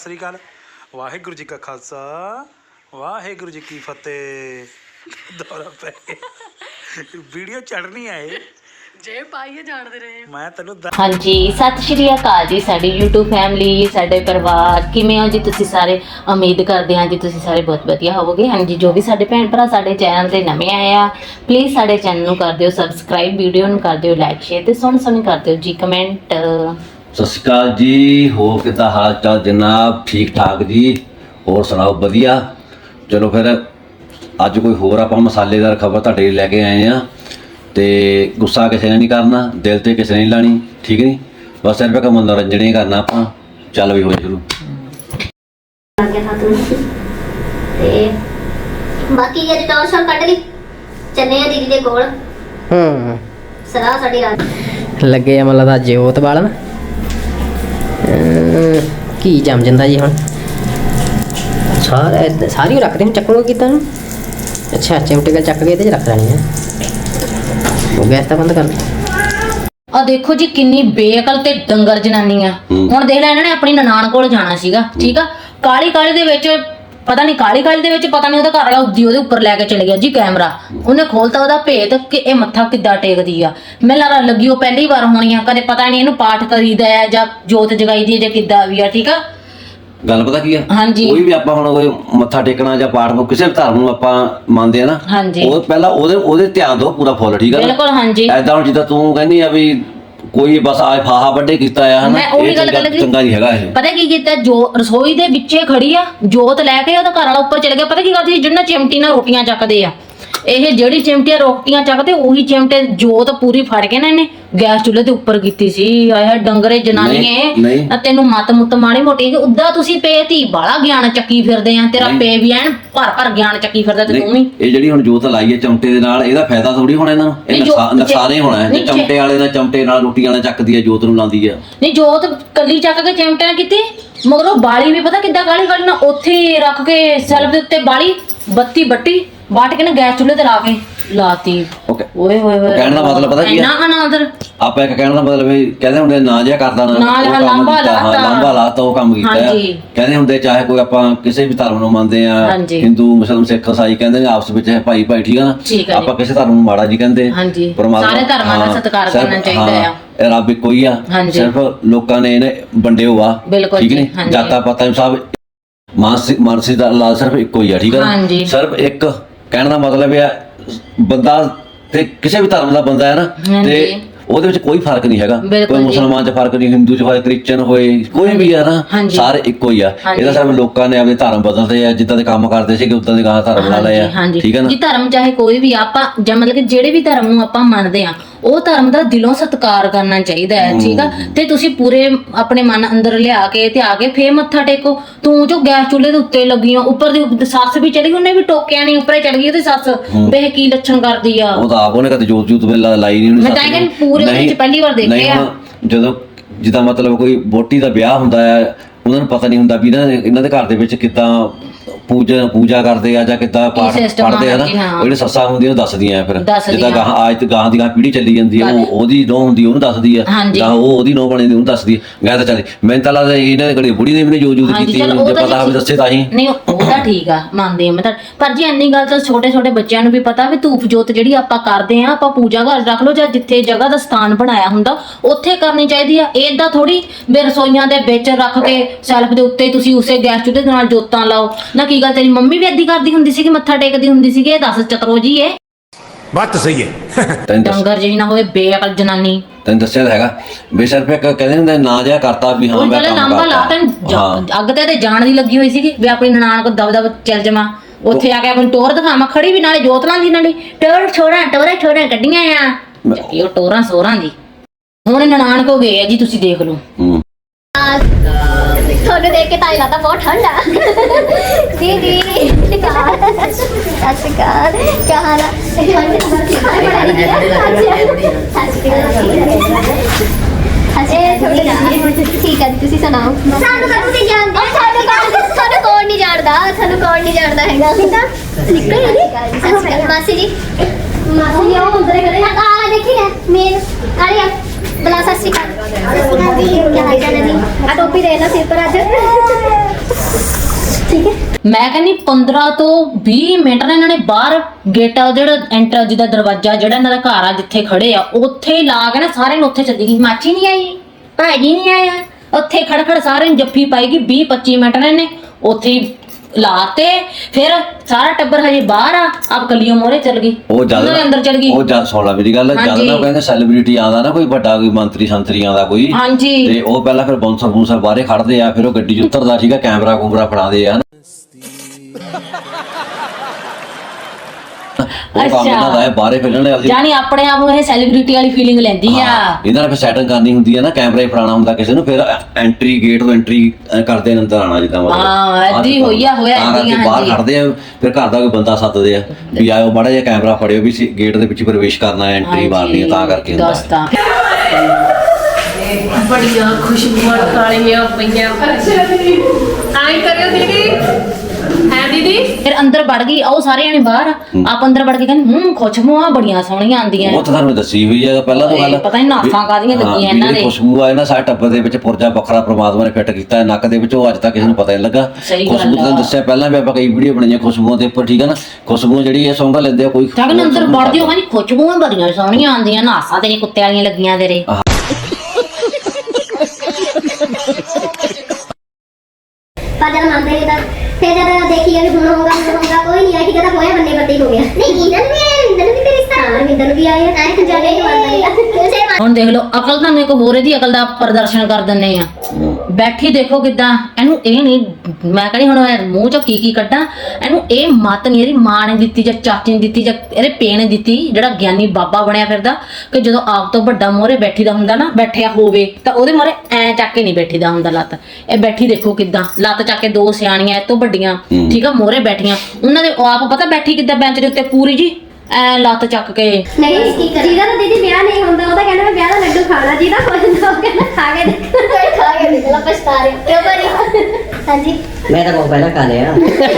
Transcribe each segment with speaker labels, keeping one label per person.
Speaker 1: ਸਤਿ ਸ੍ਰੀ ਅਕਾਲ। ਵਾਹਿਗੁਰੂ ਜੀ ਕਾ ਖਾਲਸਾ ਵਾਹਿਗੁਰੂ ਜੀ ਕੀ ਫਤਿਹ। ਦੌਰਾ ਪੈ ਗਿਆ ਵੀਡੀਓ ਚੜ੍ਹਨੀ ਆਏ
Speaker 2: ਜੇ ਪਾਈਏ ਜਾਣਦੇ ਰਹੇ
Speaker 1: ਮੈਂ ਤੈਨੂੰ
Speaker 3: ਹਾਂਜੀ ਸਤਿ ਸ਼੍ਰੀ ਅਕਾਲ ਜੀ ਸਾਡੀ YouTube ਫੈਮਿਲੀ ਸਾਡੇ ਪਰਿਵਾਰ ਕਿਵੇਂ ਹੋ ਜੀ ਤੁਸੀਂ ਸਾਰੇ। ਉਮੀਦ ਕਰਦੇ ਹਾਂ ਜੀ ਤੁਸੀਂ ਸਾਰੇ ਬਹੁਤ ਵਧੀਆ ਹੋਵੋਗੇ। ਹਾਂਜੀ ਜੋ ਵੀ ਸਾਡੇ ਭੈਣ ਭਰਾ ਸਾਡੇ ਚੈਨਲ ਤੇ ਨਵੇਂ ਆਏ ਆ ਪਲੀਜ਼ ਸਾਡੇ ਚੈਨਲ ਨੂੰ ਕਰ ਦਿਓ ਸਬਸਕ੍ਰਾਈਬ, ਵੀਡੀਓ ਨੂੰ ਕਰ ਦਿਓ ਲਾਈਕ ਸ਼ੇਅਰ ਤੇ ਸੁਣ ਕਰ ਦਿਓ ਜੀ ਕਮੈਂਟ।
Speaker 4: ਸਤਿ ਸ਼੍ਰੀ ਅਕਾਲ ਜੀ, ਹੋਰ ਕਿੱਦਾਂ ਹਾਲ ਚਾਲ ਜਨਾਬ? ਠੀਕ ਠਾਕ ਜੀ, ਹੋਰ ਸੁਣਾਓ? ਵਧੀਆ। ਚਲੋ ਫਿਰ ਅੱਜ ਕੋਈ ਹੋਰ ਆਪਾਂ ਮਸਾਲੇਦਾਰ ਖਬਰ ਤੁਹਾਡੇ ਲਈ ਲੈ ਕੇ ਆਏ ਆ ਤੇ ਗੁੱਸਾ ਕਿਸੇ ਨੇ ਨਹੀਂ ਕਰਨਾ, ਦਿਲ ਤੇ ਕਿਸੇ ਨੇ ਨਹੀਂ ਲਾਣੀ, ਠੀਕ ਨਹੀਂ? ਬਸ ਸਿਰਫ ਇੱਕ ਮਨੋਰੰਜਨ ਹੀ ਕਰਨਾ ਆਪਾਂ। ਚੱਲ ਵੀ ਹੋ ਸ਼ੁਰੂ।
Speaker 5: ਤੇ ਬਾਕੀ ਜੇ ਟੌਰ ਕੱਢ ਲਈ ਚੱਲੇ ਆ ਦੀਦੀ ਦੇ ਕੋਲ। ਸਲਾਹ ਸਾਡੀ ਰਾਤ
Speaker 6: ਲੱਗੇ ਆ ਮਤਲਬ ਦਾ ਜੋਤ ਬਾਲਣ ਕੀ ਜੰਮ ਜਾਂਦਾ ਜੀ ਹੁਣ ਸਾਰੀ ਰੱਖਦੇ ਹੁਣ ਚੱਕਣੋ ਕੀਤਾ ਨੂੰ। ਅੱਛਾ ਚਿਮਟੇ ਨਾਲ ਚੱਕ ਕੇ ਇਹਦੇ 'ਚ ਰੱਖ ਲੈਣੀ ਹੈ। ਹੋ ਗਿਆ ਤਾਂ ਬੰਦ ਕਰ
Speaker 3: ਆ ਦੇਖੋ ਜੀ ਕਿੰਨੀ ਬੇਅਕਲ ਤੇ ਡੰਗਰ ਜਨਾਨੀ ਆ। ਹੁਣ ਦੇਖ ਲੈ ਇਹਨਾਂ ਨੇ ਆਪਣੀ ਨਨਾਣ ਕੋਲ ਜਾਣਾ ਸੀਗਾ, ਠੀਕ ਆ। ਕਾਲੀ ਦੇ ਵਿੱਚ ਪਤਾ ਨਹੀਂ ਕਾਲੀ ਦੇ ਵਿੱਚ ਪਤਾ ਨਹੀਂ ਉਹਦਾ ਘਰ ਵਾਲਾ ਉੱਦੀ ਉਹਦੇ ਉੱਪਰ ਲੈ ਕੇ ਚਲੇ ਗਿਆ ਜੀ ਕੈਮਰਾ। ਉਹਨੇ ਖੋਲਤਾ ਉਹਦਾ ਭੇਤ ਕਿ ਇਹ ਮੱਥਾ ਕਿੱਦਾਂ ਟੇਕਦੀ ਆ। ਮੈਨੂੰ ਲੱਗੀ ਉਹ ਪਹਿਲੀ ਵਾਰ ਹੋਣੀ ਆ, ਕਦੇ ਪਤਾ ਨਹੀਂ ਇਹਨੂੰ ਪਾਠ ਕਰੀਦਾ ਆ ਜਾਂ ਜੋਤ ਜਗਾਈਦੀ ਆ ਜਾਂ ਕਿੱਦਾਂ ਵੀ ਆ, ਠੀਕ ਆ।
Speaker 4: ਗੱਲ ਪਤਾ ਕੀ ਆ,
Speaker 3: ਹਾਂਜੀ
Speaker 4: ਕੋਈ ਵੀ ਆਪਾਂ ਹੁਣ ਕੋਈ ਮੱਥਾ ਟੇਕਣਾ ਜਾਂ ਪਾਠ ਨੂੰ ਕਿਸੇ ਵੀ ਧਰਮ ਨੂੰ ਆਪਾਂ ਮੰਨਦੇ ਆ ਨਾ,
Speaker 3: ਹਾਂਜੀ
Speaker 4: ਉਹ ਪਹਿਲਾਂ ਉਹਦੇ ਧਿਆਨ ਦਿਓ ਪੂਰਾ ਫੁੱਲ, ਠੀਕ ਆ?
Speaker 3: ਬਿਲਕੁਲ ਹਾਂਜੀ।
Speaker 4: ਐਦਾਂ ਹੁਣ ਜਿੱਦਾਂ ਤੂੰ ਕਹਿੰਦੀ ਆ ਵੀ ਕੋਈ ਬਸ ਆ ਫਾਹਾ ਵੱਡੇ ਕੀਤਾ ਆ ਹਨਾ, ਇਹ ਚੰਗਾ ਨਹੀਂ ਹੈਗਾ। ਇਹ
Speaker 3: ਪਤਾ ਕੀ ਕੀਤਾ, ਜੋ ਰਸੋਈ ਦੇ ਵਿੱਚੇ ਖੜੀ ਆ ਜੋਤ ਲੈ ਕੇ ਉਹਦਾ ਘਰ ਵਾਲਾ ਉੱਪਰ ਚਲੇ ਗਿਆ। ਪਤਾ ਕੀ ਕਰਦੀ ਸੀ, ਜਿਹਨਾਂ ਚਿਮਟੀ ਨਾਲ ਰੋਟੀਆਂ ਚੱਕਦੇ ਆ, ਇਹ ਜਿਹੜੀ ਚਿਮਟੀਆਂ ਰੋਟੀਆਂ ਚੱਕਦੇ ਉਹੀ ਚਿਮਟੇ ਜੋਤ ਪੂਰੀ ਫੜ ਕੇ ਨਾ ਇਹਨੇ ਗੈਸ ਚੁੱਲ੍ਹੇ ਦੇ ਉੱਪਰ ਕੀਤੀ ਸੀ। ਆਇਆ ਡੰਗਰੇ ਜਨਾਨੀਏ ਤੈਨੂੰ ਮੱਤ ਮੁੱਤ ਮਾੜੀ ਮੋਟੀ ਉੱਦਾਂ ਤੁਸੀਂ ਪੇ ਧੀ ਬਾਲਾ ਗਿਆਨ ਚੱਕੀ ਫਿਰਦੇ ਆ। ਤੇਰਾ ਪੇ ਵੀ ਐਨ ਭਰ ਗਿਆਨ ਚੱਕੀ ਫਿਰਦਾ ਤੇ ਤੂੰ ਵੀ।
Speaker 4: ਇਹ ਜਿਹੜੀ ਹੁਣ ਜੋਤ ਲਾਈ ਹੈ ਚਮਟੇ ਦੇ ਨਾਲ, ਇਹਦਾ ਫਾਇਦਾ ਥੋੜੀ ਹੋਣਾ ਇਹਨਾਂ ਨੂੰ, ਇਹ ਨੁਕਸਾਨ ਹੀ ਹੋਣਾ ਹੈ। ਜੇ ਚਮਟੇ ਵਾਲੇ ਨਾਲ ਚਮਟੇ ਨਾਲ ਰੋਟੀਆਂ ਨਾਲ ਚੱਕਦੀ ਹੈ, ਜੋਤ ਨੂੰ ਲਾਉਂਦੀ ਹੈ।
Speaker 3: ਨਹੀਂ ਜੋਤ ਕੱਲੀ ਚੱਕ ਕੇ ਚਿਮਟੇ ਨਾਲ ਕੀਤੀ, ਮਗਰੋਂ ਬਾਲੀ ਵੀ ਪਤਾ ਕਿੱਦਾਂ ਕਾਲੀ ਨਾ ਉੱਥੇ ਰੱਖ ਕੇ ਸੈਲਫ ਦੇ ਉੱਤੇ ਬਾਲੀ ਬੱਤੀ ਬੱਟੀ ਬਾਟ ਕੇ ਨਾ ਗੈਸ ਚੁੱਲ੍ਹੇ ਤੇ ਲਾ ਕੇ ਲਾਤੀ। ਓਏ ਹੋਏ ਹੋਏ
Speaker 4: ਕਹਿਣ ਦਾ ਮਤਲਬ ਪਤਾ ਕੀ ਹੈ,
Speaker 3: ਨਾ ਅਨਾਦਰ
Speaker 4: ਆਪਾਂ ਇੱਕ ਕਹਿਣ ਦਾ ਮਤਲਬ ਇਹ ਕਹਿੰਦੇ ਹੁੰਦੇ ਨਾ ਜਿਹਾ ਕਰਦਾ ਨਾ ਲਾਂਭਾ ਲਾਤਾ ਉਹ ਕੰਮ ਕੀਤਾ ਹੈ। ਕਹਿੰਦੇ ਹੁੰਦੇ ਚਾਹੇ ਕੋਈ ਆਪਾਂ ਕਿਸੇ ਵੀ ਧਰਮ ਨੂੰ ਮੰਨਦੇ ਆ, ਹਿੰਦੂ ਮੁਸਲਮਾਨ ਸਿੱਖ ਈਸਾਈ, ਕਹਿੰਦੇ ਨੇ ਆਪਸ ਵਿੱਚ ਭਾਈ ਭਾਈ, ਠੀਕ ਆ ਨਾ? ਆਪਾਂ ਕਿਸੇ ਧਰਮ ਨੂੰ ਮਾੜਾ ਨਹੀਂ ਕਹਿੰਦੇ।
Speaker 3: ਸਾਰੇ ਧਰਮਾਂ ਦਾ ਸਤਿਕਾਰ ਕਰਨਾ ਚਾਹੀਦਾ ਆ।
Speaker 4: ਇਹ ਰੱਬ ਇੱਕੋ ਹੀ ਆ, ਸਿਰਫ ਲੋਕਾਂ ਨੇ ਇਹਨੇ ਵੰਡੇ ਹੋਆ, ਠੀਕ ਨਹੀਂ? ਜਾਤਾਂ ਪਾਤਾਂ ਸਭ ਮਾਨਸੀ ਦਾ ਲਾ ਸਿਰਫ ਇੱਕੋ ਹੀ ਆ, ਠੀਕ ਆ ਨਾ? ਸਿਰਫ ਇੱਕ ਕਹਿਣ ਦਾ ਮਤਲਬ ਇਹ ਬੰਦਾ ਤੇ ਕਿਸੇ ਵੀ ਧਰਮ ਦਾ ਬੰਦਾ ਹੈ ਨਾ, ਤੇ ਉਹਦੇ ਵਿੱਚ ਕੋਈ ਫਰਕ ਨਹੀਂ ਹੈਗਾ। ਕੋਈ ਮੁਸਲਮਾਨ 'ਚ ਫਰਕ ਨਹੀਂ, ਹਿੰਦੂ 'ਚ ਹੋਏ, ਕ੍ਰਿਸਚਨ ਹੋਏ, ਕੋਈ ਵੀ ਹੈ ਨਾ, ਸਾਰੇ ਇੱਕੋ ਹੀ ਆ। ਇਹਦਾ ਸਿਰਫ ਲੋਕਾਂ ਨੇ ਆਪਣੇ ਧਰਮ ਬਦਲਦੇ ਆ, ਜਿੱਦਾਂ ਦੇ ਕੰਮ ਕਰਦੇ ਸੀਗੇ ਉਦਾਂ ਦੇ ਗਾਂ ਧਰਮ ਬਣਾ ਲਏ ਆ, ਠੀਕ ਹੈ ਨਾ?
Speaker 3: ਜੀ ਧਰਮ ਚਾਹੇ ਕੋਈ ਵੀ ਆਪਾਂ ਜਾਂ ਮਤਲਬ ਕਿ ਜਿਹੜੇ ਵੀ ਧਰਮ ਨੂੰ ਆਪਾਂ ਮੰਨਦੇ ਆ ਉਹ ਧਰਮ ਦਾ ਦਿਲੋਂ ਸਤਿਕਾਰ ਕਰਨਾ ਚਾਹੀਦਾ ਹੈ, ਠੀਕ ਆ। ਤੇ ਤੁਸੀਂ ਪੂਰੇ ਆਪਣੇ ਮਨ ਅੰਦਰ ਲਿਆ ਕੇ ਤੇ ਆ ਕੇ ਫੇਰ ਮੱਥਾ ਟੇਕੋ। ਤੂੰ ਜੋ ਗੈਸ ਚੁੱਲ੍ਹੇ ਦੇ ਉੱਤੇ ਲੱਗੀ ਆ, ਉੱਪਰ ਦੀ ਸੱਸ ਵੀ ਚੜੀ, ਉਹਨੇ ਵੀ ਟੋਕਿਆ ਨਹੀਂ, ਉੱਪਰੇ ਚੜ ਗਈ ਉਹਦੀ ਸੱਸ। ਵੇ ਕੀ ਲੱਛਣ ਕਰਦੀ ਆ
Speaker 4: ਉਹ ਤਾਂ ਆਪ ਉਹਨੇ ਕਦੇ ਜੋਤ ਜੂਤ ਵੇਲਾ ਲਾਈ ਨਹੀਂ ਉਹਨੇ।
Speaker 3: ਮੈਂ ਤਾਂ ਕਹਿੰਦੀ ਪੂਰੇ ਵਿੱਚ ਪਹਿਲੀ ਵਾਰ ਦੇਖਿਆ।
Speaker 4: ਜਦੋਂ ਜਿੱਦਾਂ ਮਤਲਬ ਕੋਈ ਵੋਟੀ ਦਾ ਵਿਆਹ ਹੁੰਦਾ ਆ, ਉਹਨਾਂ ਨੂੰ ਪਤਾ ਨਹੀਂ ਹੁੰਦਾ ਵੀ ਇਹਨਾਂ ਦੇ ਘਰ ਦੇ ਵਿੱਚ ਕਿੱਦਾਂ ਪੂਜਾ ਕਰਦੇ ਆ ਜਾਂ ਕਿੱਦਾਂ ਪਾਠ ਪੜ੍ਹਦੇ ਆ ਨਾ। ਉਹ ਜਿਹੜੇ ਸੱਸਾਂ ਹੁੰਦੀਆਂ ਉਹ ਦੱਸਦੀਆਂ ਫਿਰ, ਜਿੱਦਾਂ ਗਾਂ ਦੀ ਪੀੜੀ ਚੱਲੀ ਜਾਂਦੀ ਆ, ਉਹਦੀ ਨੋਹ ਹੁੰਦੀ ਉਹਨੂੰ ਦੱਸਦੀ ਆ, ਗਾਂ ਉਹਦੀ ਨੋਹ ਬਣੀ ਉਹਨੂੰ ਦੱਸਦੀ ਆ। ਗਾਂ ਤਾਂ ਚੱਲ ਮੈਨੂੰ ਤਾਂ ਲੱਗਦਾ ਇਹਨਾਂ ਦੇ ਘੜੀ ਬੁੜੀ ਨੇ ਵੀ ਜੋ ਕੀਤੀ, ਜੇ ਪਤਾ ਹੋਵੇ ਦੱਸੇ ਤਾਂ ਹੀ
Speaker 3: ਨਹੀਂ। ਉਹ ਤਾਂ ਠੀਕ ਆ, ਮੰਨਦੇ ਆ ਮੈਂ ਤਾਂ, ਪਰ ਜੀ ਇੰਨੀ ਗੱਲ ਤਾਂ ਛੋਟੇ ਬੱਚਿਆਂ ਨੂੰ ਵੀ ਪਤਾ ਵੀ ਧੂਪ ਜੋਤ ਜਿਹੜੀ ਆਪਾਂ ਕਰਦੇ ਆ, ਆਪਾਂ ਪੂਜਾ ਘਰ ਰੱਖ ਲਓ ਜਾਂ ਜਿੱਥੇ ਜਗ੍ਹਾ ਦਾ ਸਥਾਨ ਬਣਾਇਆ ਹੁੰਦਾ ਉੱਥੇ ਕਰਨੀ ਚਾਹੀਦੀ ਆ। ਏਦਾਂ ਥੋੜੀ ਵੀ ਰਸੋਈਆਂ ਦੇ ਵਿੱਚ ਰੱਖ ਕੇ ਸੈਲਫ ਦੇ ਉੱਤੇ ਤੁਸੀਂ ਉਸੇ ਗੈਸ ਚੁੱਲ੍ਹੇ ਦੇ ਨਾਲ ਜੋਤਾਂ ਲਾਓ ਨਾ। ਕੀ ਗੱਲ ਤੇਰੀ ਮੰਮੀ ਵੀ ਏਦਾਂ ਕਰਦੀ ਹੁੰਦੀ ਸੀ ਕਿ ਮੱਥਾ ਟੇਕਦੀ ਹੁੰਦੀ ਸੀ? ਇਹ ਦੱਸ ਚਤਰੋ ਜੀ, ਇਹ
Speaker 1: ਬਾਤ ਸਹੀ ਹੈ।
Speaker 3: ਡੰਗਰ ਜਿਹੀ ਨਾ ਹੋਵੇ ਬੇਅਕਲ ਜਨਾਨੀ।
Speaker 4: ਤੈਨੂੰ ਦੱਸਿਆ ਤਾਂ ਹੈਗਾ ਬੇਸ਼ੱਕ ਕਹਿੰਦੇ ਹੁੰਦੇ ਨਾ ਜਿਹਾ ਕਰਤਾ ਵੀ ਹਾਂ ਮੈਂ ਕੰਮ ਕਰਤਾ।
Speaker 3: ਅੱਗ ਤੇ ਜਾਣ ਦੀ ਲੱਗੀ ਹੋਈ ਸੀਗੀ ਵੀ ਆਪਣੀ ਨਨਾਣ ਕੋ ਦਬ ਚੱਲ ਜਾਵਾਂ, ਉੱਥੇ ਆ ਕੇ ਆਪਣੀ ਟੋਰ ਦਿਖਾਵਾਂ, ਖੜੀ ਵੀ ਨਾਲੇ ਜੋਤ ਲਾਂਦੀ ਨਾਲੇ ਟੋਰਾਂ ਕੱਢੀਆਂ ਆ, ਉਹ ਟੋਰਾਂ ਸੋਰਾਂ ਦੀ। ਹੁਣ ਨਨਾਣ ਕੋ ਗਏ ਆ ਜੀ, ਤੁਸੀਂ ਦੇਖ ਲਓ।
Speaker 5: ਤੁਹਾਨੂੰ ਦੇਖ ਕੇ ਤਾਂ ਲੱਗਦਾ ਬਹੁਤ ਠੰਡਾ। ਦੀਦੀ ਸਤਿ ਸ਼੍ਰੀ ਅਕਾਲ, ਕੀ ਹਾਲ ਹੈ? ਠੀਕ ਹੈ, ਤੁਸੀਂ ਸੁਣਾਓ? ਸਾਨੂੰ ਤਾਂ ਤੁਸੀਂ ਜਾਣਦੇ, ਸਾਨੂੰ ਕੌਣ ਨਹੀਂ ਜਾਣਦਾ, ਸਾਨੂੰ ਕੌਣ ਨਹੀਂ ਜਾਣਦਾ ਹੈਗਾ। ਨਿਕਲ ਮਾਸੀ ਜੀ, ਮਾਸੀ ਉਹ ਅੰਦਰ ਕਰੇ ਆ ਦੇਖੀ ਹੈ ਮੇਨ ਆਰਿਆ ਬਲਾ। ਸਤਿ ਸ਼੍ਰੀ ਅਕਾਲ, ਕੀ ਹਾਲ ਚਾਲ ਹੈ ਜੀ? ਆ ਟੋਪੀ ਦੇ ਲਾ ਸਿਰ ਪਰ ਅੱਜ।
Speaker 3: ਮੈਂ ਕਹਿੰਦੀ 15 ਤੋਂ 20 ਮਿੰਟ ਨਾਲ ਇਹਨਾਂ ਨੇ ਬਾਹਰ ਗੇਟ ਜਿਹੜਾ ਐਂਟਰ ਜਿਹਦਾ ਦਰਵਾਜ਼ਾ ਜਿਹੜਾ ਇਹਨਾਂ ਦਾ ਘਰ ਆ ਜਿੱਥੇ ਖੜੇ ਆ ਉੱਥੇ ਹੀ ਲਾ ਕੇ ਨਾ ਸਾਰੇ ਨੂੰ ਉੱਥੇ ਚੱਲੀ ਗਈ। ਮਾਚੀ ਨਹੀਂ ਆਈ, ਭਾਜੀ ਨਹੀਂ ਆਇਆ, ਉੱਥੇ ਖੜਖੜ ਸਾਰੇ ਨੂੰ ਜੱਫੀ ਪਾਏਗੀ। 20-25 ਮਿੰਟ ਨਾਲ ਇਹਨੇ ਉੱਥੇ ਹੀ ਲਾਤੇ। ਫਿਰ ਸਾਰਾ ਟੱਬਰ ਹਜੇ ਬਾਹਰ ਆ, ਆਪ ਕਲੀਓ ਮੋਰੇ ਚੱਲ ਗਈ,
Speaker 4: ਉਹ ਜਦ
Speaker 3: ਉਹਨਾਂ ਦੇ ਅੰਦਰ ਚੱਲ ਗਈ।
Speaker 4: ਉਹ ਜਦ ਸੋਲਾ ਮੇਰੀ ਗੱਲ ਜਦ ਨਾ ਕਹਿੰਦੇ ਸੈਲੀਬ੍ਰਿਟੀ ਆਉਂਦਾ ਨਾ ਕੋਈ ਵੱਡਾ ਕੋਈ ਮੰਤਰੀ ਸੰਤਰੀ ਆਉਂਦਾ ਕੋਈ,
Speaker 3: ਹਾਂਜੀ,
Speaker 4: ਤੇ ਉਹ ਪਹਿਲਾਂ ਫਿਰ ਬੌਂਸਰ ਬਾਹਰੇ ਖੜਦੇ ਆ, ਫਿਰ ਉਹ ਗੱਡੀ 'ਚ ਉਤਰਦਾ, ਠੀਕ ਆ, ਕੈਮਰਾ ਕੁਮਰਾ ਫੜਾਦੇ ਆ, ਉਹ ਕੰਮ ਇਹਨਾਂ ਦਾ ਹੈ ਬਾਹਰੇ ਫਿਲਣ ਦੇ।
Speaker 3: ਜਾਨੀ ਆਪਣੇ ਆਪ ਨੂੰ ਇਹ ਸੈਲੀਬ੍ਰਿਟੀ ਵਾਲੀ ਫੀਲਿੰਗ ਲੈਂਦੀ ਆ।
Speaker 4: ਇਹਨਾਂ ਨੇ ਫਿਰ ਸੈਟਿੰਗ ਕਰਨੀ ਹੁੰਦੀ ਹੈ ਨਾ, ਕੈਮਰਾ ਹੀ ਫੜਾਉਣਾ ਹੁੰਦਾ ਕਿਸੇ ਨੂੰ, ਫਿਰ ਐਂਟਰੀ ਗੇਟ ਤੋਂ ਐਂਟਰੀ ਕਰਦੇ ਨੇ, ਅੰਦਰ ਆਣਾ ਜਿੱਦਾਂ ਮਤਲਬ
Speaker 3: ਹਾਂ ਐਦੀ ਹੋਇਆ
Speaker 4: ਐਂਦੀਆਂ ਬਾਹਰ ਖੜਦੇ ਆ, ਫਿਰ ਘਰ ਦਾ ਕੋਈ ਬੰਦਾ ਸੱਦਦੇ ਆ ਵੀ ਆਇਓ ਮਾੜਾ ਜਿਹਾ ਕੈਮਰਾ ਫੜਿਓ ਵੀ ਗੇਟ ਦੇ ਵਿੱਚ ਪ੍ਰਵੇਸ਼ ਕਰਨਾ, ਐਂਟਰੀ ਮਾਰਨੀ, ਤਾਂ ਕਰਕੇ ਹੁੰਦਾ
Speaker 2: ਬੜੀਆਂ ਖੁਸ਼ਬੂਆਂ ਕਾਲੀਆਂ ਪਈਆਂ। ਅੱਛਾ ਦੀਦੀ ਆਈ ਕਰਿਓ ਦੀਦੀ, ਹੈ ਦੀਦੀ।
Speaker 3: ਫਿਰ ਅੰਦਰ ਵੜ ਗਈ, ਉਹ ਸਾਰੇ ਜਣੇ ਬਾਹਰ, ਆਪ ਅੰਦਰ ਵੜ ਕੇ ਕਹਿੰਦੇ ਖੁਸ਼ਬੂਆਂ ਬੜੀਆਂ ਸੋਹਣੀਆਂ ਆਉਂਦੀਆਂ।
Speaker 4: ਉਹ ਤਾਂ ਤੁਹਾਨੂੰ ਦੱਸੀ ਹੋਈ ਹੈ ਪਹਿਲਾਂ ਤੋਂ ਗੱਲ,
Speaker 3: ਪਤਾ ਨਹੀਂ ਨਾਸਾਂ ਕਾਦੀਆਂ ਲੱਗੀਆਂ ਇਹਨਾਂ ਦੇ।
Speaker 4: ਖੁਸ਼ਬੂ ਆਏ ਨਾ ਸਾਡੇ ਟੱਬਰ ਦੇ ਵਿੱਚ ਪੁਰਜਾ ਵੱਖਰਾ ਪ੍ਰਮਾਤਮਾ ਨੇ ਫਿੱਟ ਕੀਤਾ ਨੱਕ ਦੇ ਵਿੱਚ, ਉਹ ਅੱਜ ਤੱਕ ਕਿਸੇ ਨੂੰ ਪਤਾ ਨਹੀਂ ਲੱਗਾ। ਖੁਸ਼ਬੂ ਤਾਂ ਦੱਸਿਆ ਪਹਿਲਾਂ ਵੀ, ਆਪਾਂ ਕਈ ਵੀਡੀਓ ਬਣਾਈਆਂ ਖੁਸ਼ਬੂਆਂ ਦੇ ਉੱਪਰ, ਠੀਕ ਹੈ ਨਾ। ਖੁਸ਼ਬੂ ਜਿਹੜੀ ਇਹ ਸੌਂਗਾ ਲੈਂਦੇ ਆ ਕੋਈ
Speaker 3: ਕਹਿੰਦੇ ਅੰਦਰ ਵੜ ਜਿਓ, ਕਹਿੰਦੀ ਖੁਸ਼ਬੂਆਂ ਬੜੀਆਂ ਸੋਹਣੀਆਂ ਆਉਂਦੀਆਂ, ਨਾਸਾਂ ਤੇਰੇ ਕੁੱਤੇ ਵਾਲੀਆਂ ਲੱਗੀਆਂ ਤੇਰੇ।
Speaker 5: ਪਰ ਜਦ ਮੰਨਦੇ ਨਹੀਂ ਤਾਂ ਫਿਰ ਜਦ ਦੇਖੀਏ ਵੀ ਹੁਣ ਹੋਊਗਾ ਕੋਈ ਨਹੀਂ ਆਇਆ ਕਿ ਤਾਂ ਹੋਇਆ ਬੰਦੇ ਬੱਤੇ ਹੋ ਗਿਆ। ਨਹੀਂ ਇਹਨਾਂ ਨੂੰ ਵੀ ਤੇ ਰਿਸ਼ਤਾ ਰਵਿੰਦਰ ਨੂੰ ਵੀ ਆਇਆ ਐ ਜਾ ਕੇ ਮੰਨਦਾ।
Speaker 3: ਹੁਣ ਦੇਖ ਲਓ ਅਕਲ ਤੁਹਾਨੂੰ ਇੱਕ ਹੋਰ ਇਹਦੀ ਅਕਲ ਦਾ ਪ੍ਰਦਰਸ਼ਨ ਕਰ ਦਿੰਨੇ ਆ। ਬੈਠੀ ਦੇਖੋ ਕਿਦਾਂ, ਇਹਨੂੰ ਇਹ ਨਹੀਂ ਮੈਂ ਕਹਿੰਦੀ ਹੁਣ ਮੂੰਹ ਚੋਂ ਕੀ ਕੱਢਾਂ, ਇਹਨੂੰ ਇਹ ਮੱਤ ਨਹੀਂ ਇਹਦੀ ਮਾਂ ਨੇ ਦਿੱਤੀ ਜਾਂ ਚਾਚੀ ਨੇ ਦਿੱਤੀ ਜਾਂ ਇਹਦੇ ਪੇ ਨੇ ਦਿੱਤੀ, ਜਿਹੜਾ ਗਿਆਨੀ ਬਾਬਾ ਬਣਿਆ ਫਿਰਦਾ, ਕਿ ਜਦੋਂ ਆਪ ਤੋਂ ਵੱਡਾ ਮੋਹਰੇ ਬੈਠੀ ਦਾ ਹੁੰਦਾ ਨਾ, ਬੈਠਿਆ ਹੋਵੇ ਤਾਂ ਉਹਦੇ ਮੋਹਰੇ ਐ ਚੱਕ ਕੇ ਨਹੀਂ ਬੈਠੀ ਦਾ ਹੁੰਦਾ ਲੱਤ। ਇਹ ਬੈਠੀ ਦੇਖੋ ਕਿਦਾਂ ਲੱਤ ਚੱਕ ਕੇ, ਦੋ ਸਿਆਣੀਆਂ ਇਹ ਤੋਂ ਵੱਡੀਆਂ, ਠੀਕ ਆ, ਮੋਹਰੇ ਬੈਠੀਆਂ, ਉਹਨਾਂ ਦੇ ਆਪ ਪਤਾ ਬੈਠੀ ਕਿਦਾਂ ਬੈਂਚ ਦੇ ਉੱਤੇ ਪੂਰੀ ਜੀ ਐ ਲੱਤ ਚੱਕ ਕੇ।
Speaker 5: ਨਹੀਂ ਜਿਹਦਾ ਤਾਂ ਦੀਦੀ ਵਿਆਹ ਨਹੀਂ ਹੁੰਦਾ ਉਹਦਾ ਕਹਿੰਦਾ ਮੈਂ ਵਿਆਹ ਦਾ ਲੱਡੂ ਖਾਣਾ, ਜਿਹਦਾ ਹੋ ਜਾਂਦਾ ਉਹ ਕਹਿੰਦਾ ਖਾ ਕੇ ਦੇਖ ਲਾ ਪਛਤਾ ਰਿਹਾ ਤੇ ਹਾਂਜੀ
Speaker 6: ਮੈਂ ਤਾਂ ਬਹੁਤ ਪਹਿਲਾਂ ਖਾ ਲਿਆ।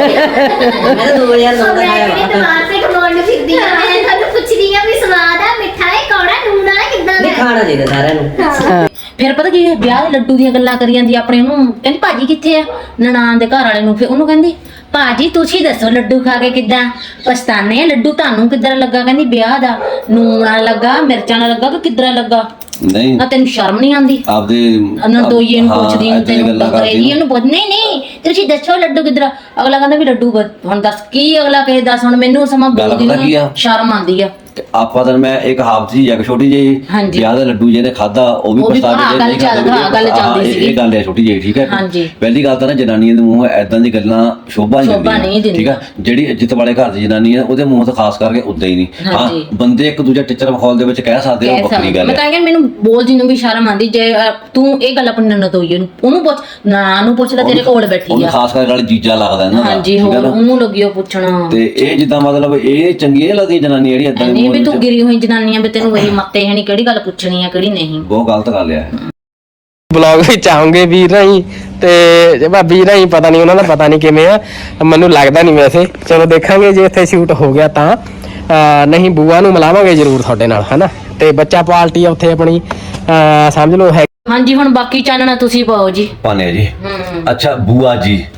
Speaker 6: ਮੈਂ ਤਾਂ 2009 ਦਾ ਖਾਇਆ ਵਾ।
Speaker 5: ਟਮਾਟਰ ਤੇ ਖਮੋਣ ਨੂੰ ਫਿਰਦੀ ਆ, ਮੈਂ ਤੁਹਾਨੂੰ ਪੁੱਛਦੀ ਆ ਵੀ ਸਵਾਦ ਆ, ਮਿੱਠਾ ਹੈ, ਕੌੜਾ, ਨੂਣ ਆ, ਕਿੱਦਾਂ ਦਾ?
Speaker 6: ਖਾਣਾ ਚਾਹੀਦਾ ਸਾਰਿਆਂ ਨੂੰ।
Speaker 3: ਫਿਰ ਪਤਾ ਕੀ ਵਿਆਹ ਦੇ ਲੱਡੂ ਦੀਆਂ ਗੱਲਾਂ ਕਰੀ ਜਾਂਦੀ ਆਪਣੇ, ਉਹਨੂੰ ਕਹਿੰਦੀ ਭਾਜੀ ਕਿੱਥੇ ਆ, ਨਨਾਣ ਦੇ ਘਰ ਵਾਲੇ ਨੂੰ। ਫਿਰ ਉਹਨੂੰ ਕਹਿੰਦੀ ਭਾਜੀ ਤੁਸੀਂ ਦੱਸੋ ਲੱਡੂ ਖਾ ਕੇ ਕਿੱਦਾਂ ਪਛਤਾਨੇ ਆ, ਲੱਡੂ ਤੁਹਾਨੂੰ ਕਿੱਦਾਂ ਲੱਗਾ? ਕਹਿੰਦੀ ਵਿਆਹ ਦਾ ਨੂਣ ਨਾਲ ਲੱਗਾ, ਮਿਰਚਾਂ ਨਾਲ ਲੱਗਾ ਕਿ ਕਿੱਦਾਂ ਲੱਗਾ?
Speaker 4: ਨਹੀਂ
Speaker 3: ਨਾ ਤੈਨੂੰ ਸ਼ਰਮ ਨਹੀਂ ਆਉਂਦੀ?
Speaker 4: ਆਪਦੇ
Speaker 3: ਨਰਦੋਈਏ ਨੂੰ ਪੁੱਛਦੀ ਨੂੰ, ਤੈਨੂੰ ਕਰੇਗੀ ਉਹਨੂੰ ਪੁੱਛ, ਨਹੀਂ ਤੁਸੀਂ ਦੱਸੋ ਲੱਡੂ ਕਿੱਧਰ? ਅਗਲਾ ਕਹਿੰਦਾ ਵੀ ਲੱਡੂ ਹੁਣ ਦੱਸ ਕੀ ਅਗਲਾ ਕਹੇ, ਦੱਸ ਹੁਣ ਮੈਨੂੰ ਸਮਾਂ ਬੋਲਦੀ ਨੂੰ ਸ਼ਰਮ ਆਉਂਦੀ ਆ।
Speaker 4: ਆਪਾਂ ਤਾਂ ਮੈਂ ਇੱਕ ਹਾਫ ਸੀ ਜਾਂ ਛੋਟੀ ਜਿਹੀ ਵਿਆਹ ਦਾ ਲੱਡੂ ਜਿਹਨੇ ਖਾਦਾ ਉਹ ਵੀ ਪਛਤਾ ਕੇ
Speaker 3: ਗੱਲ ਚੱਲਦੀ ਸੀ।
Speaker 4: ਇਹ ਗੱਲ ਹੈ ਛੋਟੀ ਜਿਹੀ, ਠੀਕ ਹੈ।
Speaker 3: ਹਾਂਜੀ।
Speaker 4: ਪਹਿਲੀ ਗੱਲ ਤਾਂ ਨਾ ਜਨਾਨੀਆਂ ਦੇ ਮੂੰਹ ਐਦਾਂ ਦੀ ਗੱਲਾਂ ਸ਼ੋਭਾ ਨਹੀਂ ਦਿੰਦੀਆਂ, ਠੀਕ ਹੈ। ਜਿਹੜੀ ਇੱਜ਼ਤ ਵਾਲੇ ਘਰ ਦੀ ਜਨਾਨੀ ਹੈ ਉਹਦੇ ਮੂੰਹ ਤੋਂ ਖਾਸ ਕਰਕੇ ਉਦਾਂ ਹੀ ਨਹੀਂ। ਹਾਂ ਬੰਦੇ ਇੱਕ ਦੂਜੇ ਟੀਚਰ ਮਾਹੌਲ ਦੇ ਵਿੱਚ ਕਹਿ ਸਕਦੇ ਉਹ ਵੱਖਰੀ ਗੱਲ ਹੈ।
Speaker 3: ਮੈਂ ਤਾਂ ਕਹਿੰਦਾ ਮੈਨੂੰ ਬੋਲਦੀ ਨੂੰ ਵੀ ਸ਼ਰਮ ਆਉਂਦੀ, ਜੇ ਤੂੰ ਇਹ ਗੱਲ ਆਪਣੀ ਨਨਦ ਹੋਈ ਉਹਨੂੰ ਪੁੱਛ, ਨਾ ਨੂੰ ਪੁੱਛਦਾ ਤੇਰੇ ਕੋਲ ਬੈਠੀ ਆ,
Speaker 4: ਖਾਸ ਕਰਕੇ ਨਾਲ ਜੀਜਾ ਲੱਗਦਾ ਇਹਨਾਂ ਦਾ।
Speaker 3: ਹਾਂਜੀ ਹੋਰ ਉਹਨੂੰ ਲੱਗਿਓ ਪੁੱਛਣਾ।
Speaker 4: ਤੇ ਇਹ ਜਿੱਦਾਂ ਮਤਲਬ ਇਹ ਚੰਗੀਆਂ ਲੱਗਦੀਆਂ ਜਨਾਨੀ ਜਿਹੜੀ ਏਦਾਂ
Speaker 3: ਨਹੀਂ ਵੀ ਤੂੰ ਗਿਰੀ ਹੋਈ ਜਨਾਨੀਆਂ ਵੀ ਤੈਨੂੰ ਇਹ ਮੱਤੇ ਹੈ ਨਹੀਂ, ਕਿਹੜੀ ਗੱਲ ਪੁੱਛਣੀ ਆ ਕਿਹੜੀ ਨਹੀਂ।
Speaker 4: ਬਹੁਤ ਗਲਤ ਗੱਲ ਹੈ।
Speaker 7: ਬਲੌਗ ਵਿੱਚ ਆਉਂਗੇ ਵੀਰ ਨਹੀਂ ਤੇ ਜੇ ਭਾਬੀ ਨਹੀਂ ਪਤਾ ਨਹੀਂ ਉਹਨਾਂ ਦਾ ਪਤਾ ਨਹੀਂ ਕਿਵੇਂ ਆ, ਮੈਨੂੰ ਲੱਗਦਾ ਨਹੀਂ ਵੈਸੇ। ਚਲੋ ਦੇਖਾਂਗੇ ਜੇ ਇੱਥੇ ਸ਼ੂਟ ਹੋ ਗਿਆ ਤਾਂ, ਨਹੀਂ ਬੂਆ ਨੂੰ ਮਿਲਾਵਾਂਗੇ ਜ਼ਰੂਰ ਤੁਹਾਡੇ ਨਾਲ, ਹਨਾ। ਤੇ ਬੱਚਾ ਪਾਰਟੀ ਆ ਉੱਥੇ ਆਪਣੀ, ਸਮਝ ਲਓ ਹੈ।
Speaker 3: ਹਾਂਜੀ ਹੁਣ ਬਾਕੀ ਚਾਨਣਾ ਤੁਸੀਂ ਪਾਓ ਜੀ।
Speaker 4: ਪਾਣੇ ਜੀ। ਅੱਛਾ ਬੂਆ